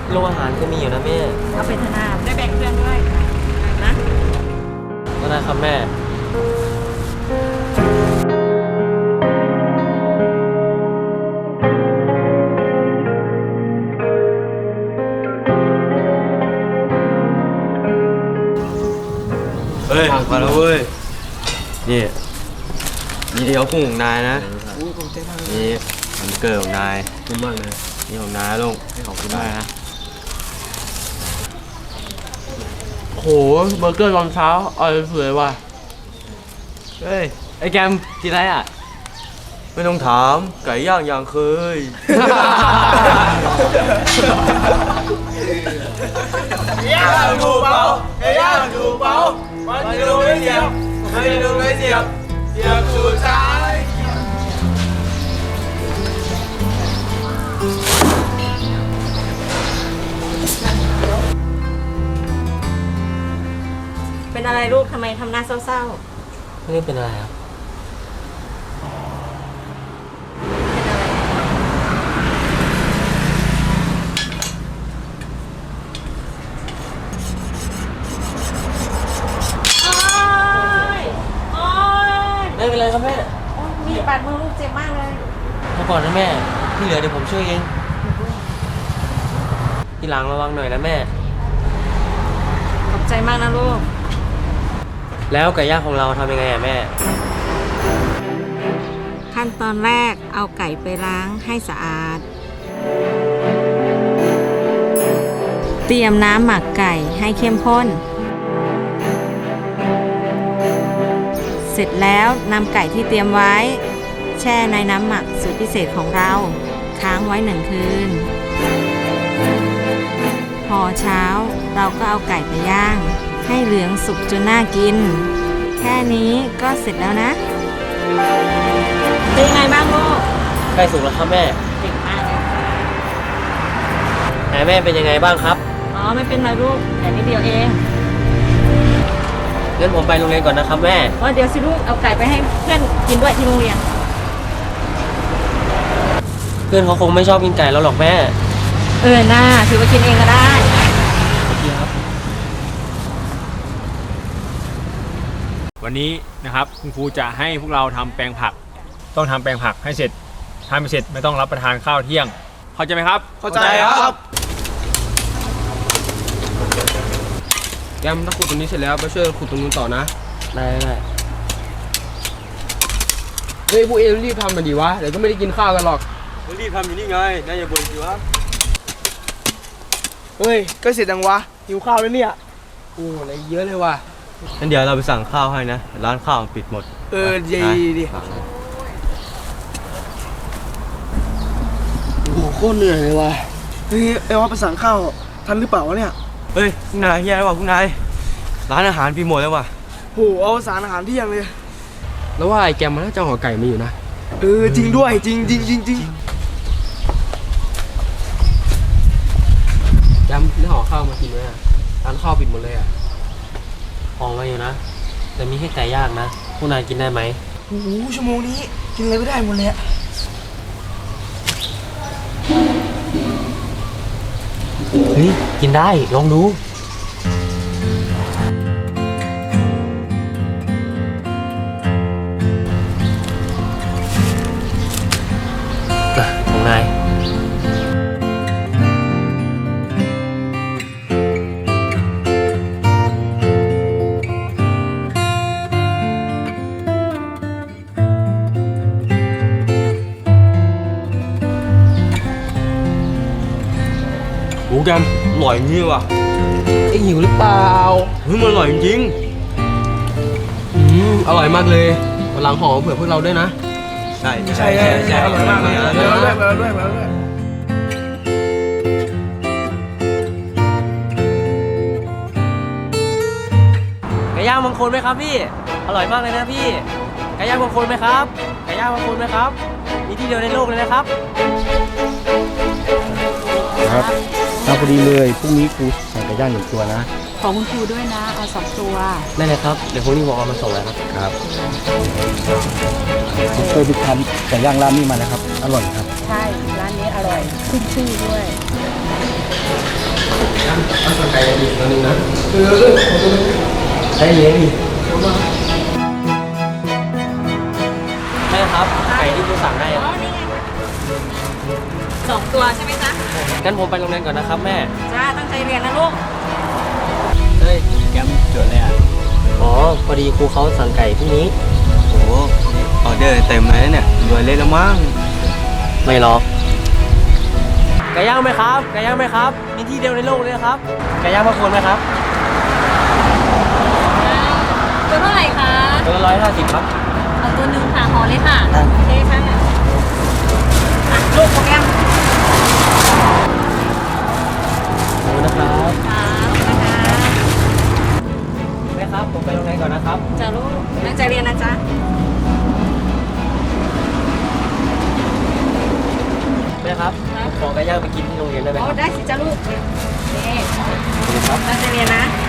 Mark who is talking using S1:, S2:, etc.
S1: โรงอาหารก็มีอยู่นะแม่
S2: เอาไปธนาได้แบ่งเพื่อนด้วยนะ
S1: ก็ได้ครับแม่เฮ้ยมาแล้วเว้ยนี่เดียวกุ้งของนายนะนี่มันเกิดของนายขอบคุณมากเลยนี่ของนายลุงขอบคุณมากนะโหเบอร์เกอร์ตอนเช้าอร่อยสุดเลยว่ะเฮ้ยไอ้แกมกินอะไรอ่ะไม่ต้องถามไก่ย่างอย่างเคย
S3: ย่างถูกเปล่าย่างถูกเปล่ามันดูไม่เสียบไม่ดูไม่เสียบเสียบสุดท้าย
S2: เป็นอะไรลูกทำไมทำหน้าเศร้า
S1: ไม่ได้เป็นอะไรครับ
S2: ๆเป็นอะไรโอ๊ย
S1: ไม่เป็นไรครับแม่
S2: มีดบาดมือลูกเจ็บมากเลย
S1: มาก่อนนะแม่ที่เหลือเดี๋ยวผมช่วยเองทีหลังระวังหน่อยนะแม่
S2: ขอบใจมากนะลูก
S1: แล้วไก่ย่างของเราทำยังไงอะแม่
S2: ขั้นตอนแรกเอาไก่ไปล้างให้สะอาด เตรียมน้ำหมักไก่ให้เข้มข้น เสร็จแล้วนำไก่ที่เตรียมไว้ แช่ในน้ำหมักสูตรพิเศษของเราค้างไว้1 คืน พอเช้าเราก็เอาไก่ไปย่าง ให้เหลืองสุกจนน่ากิน แค่นี้ก็เสร็จแล้วนะ เป็นยังไงบ้างลูก
S1: ใกล้สุกแล้วครับแม่
S2: เก่งมากเลย
S1: ไหนแม่เป็นยังไงบ้างครับ
S2: อ๋อไม่เป็นไรลูกแต่นิดเดียวเอง
S1: งั้นผมไปโรงเรียนก่อนนะครับแม่
S2: อ๋อเดี๋ยวสิลูกเอาไก่ไปให้เพื่อนกินด้วยที่โรงเรียน
S1: เพื่อนเขาคงไม่ชอบกินไก่แล้วหรอกแม่
S2: น่าถือว่ากินเองก็ได้
S1: โอเคครับ
S4: วันนี้นะครับคุณครูจะให้พวกเราทำแปลงผัก ต้องทำแปลงผักให้เสร็จถ้าไม่เสร็จไม่ต้องรับประทานข้าวเที่ยง เข้าใจไหมครับ
S3: เข้าใจครับ
S5: แกมถ้าขุดตรงนี้เสร็จแล้วไปช่วยขุดตรงนู้นต่อนะ
S1: ได้ได้
S5: เฮ้ยพวกเอรีบทำมาดีวะ เดี๋ยวก็ไม่ได้กินข้าวกันหรอก
S1: รีบทำอยู่นี่ไงนายอย่าบ่นสิวะ
S3: เฮ้ยก็เสร็จยังวะหิวข้าวแล้วเนี่ย
S5: โอ้อะไรเยอะเลยว่ะ
S1: งั้นเดี๋ยวเราไปสั่งข้าวให้นะร้านข้าวปิดหมด
S3: ดีดิ
S1: สั่งเลย
S3: โอ้โหโคตรเหนื่อยเลยว่ะเฮ้ยเอว่าไปสั่งข้าวทันหรือเปล่าวะเนี่ย
S1: เฮ้ยคุณนายแย่แล้วว่ะคุณนายร้านอาหารปิดหมดแล้วว่ะ
S3: โหเอาสารอาหารเที่ยงเลย
S5: แล้วว่าไอ้แกมมันน่าจะห่อไก่มาอยู่นะ
S3: จริงด้วยจริงจริงจริงจริง
S5: แกมได้ห่อข้าวมากินไหมอะร้านข้าวปิดหมดเลยอ่ะ
S1: ของมาอยู่นะ แต่มีแค่ไก่ย่างนะพวกนายกินได้ไหม
S3: โอ้โหชั่วโมงนี้กินอะไรไม่ได้หมดเลยอะ
S1: เฮ้ยกินได้ลองดูของนายโอ้แกมอร่อยจริงว่ะ
S5: ไอ้หิวหรือเปล่า
S1: เฮ้ยมันอร่อยจริง
S5: อร่อยมากเลยวันหลังห่อเผื่อพวกเราด้วยนะ
S1: ใช่
S3: ใช่อร่อยมากเลยมาด้วย
S1: ไก่ย่างบางคนไหมครับพี่ อร่อยมากเลยนะพี่ ไก่ย่างบางคนไหมครับ ไก่ย่างบางคนไหมครับ มีที่เดียวในโลกเลยนะครับ
S6: ครับพอดีเลยพรุ่งนี้ครูสั่งไก่ย่าง1 ตัวนะ
S2: ของคุณครูด้วยนะ เอา2 ตัว
S1: ได้เลยครับ เดี๋ยวพรุ่งนี้ผมเอามาส่งแล้วครับ
S6: ครับผมเคยไปทานไก่ย่างร้านนี้มานะครับ อร่อยครับ
S2: ใช่ ร้านนี้อร่อย ขึ้นชื่อด้วย
S5: เอาสั่งไก่อีกตัวนึงนะได้เลยดิ
S1: แม่ครับ ไก่ที่กูสั่งได้อะ
S2: 2 ตัวใช่ไหมจ๊ะ
S1: งั้นผมไปโรงเรียนก่อนนะครับแม่
S2: จ้า ตั้งใจเรียนนะลูก
S1: เฮ้ย แกมจดเลยอ่ะ อ๋อ พอดีครูเขาสั่งไก่พรุ่งนี้ โอ้ออเดอร์เต็มเลยเนี่ยรวยเลยแล้วมั้ง ไม่หรอก ไก่ย่างไหมครับ ไก่ย่างไหมครับ มีที่เดียวในโลกเลยนะครับ ไก่ย่างมาคนไหมครับ
S2: ตัวเท่าไหร่คะ
S1: ตัวละ150ครับ
S2: เอาตัวหนึ่งค่ะห่อเลยค่ะโอเคค่ะลูกโปรแกรม
S1: ขอบคุณนะครับ
S2: ค่ะนะคะ
S1: แม่ครับ ผมไปโรงเรียนก่อนนะครับ
S2: จ้าลูกตั้งใจเรียนนะจ๊ะ
S1: แม่ครับผมขอไก่ย่างไปกินที่โรงเรียนได้ไหม
S2: โอ้
S1: ครับ
S2: ได้สิจ้าลูกนี่
S1: ขอบคุณครับ
S2: ตั้งใจเรียนนะ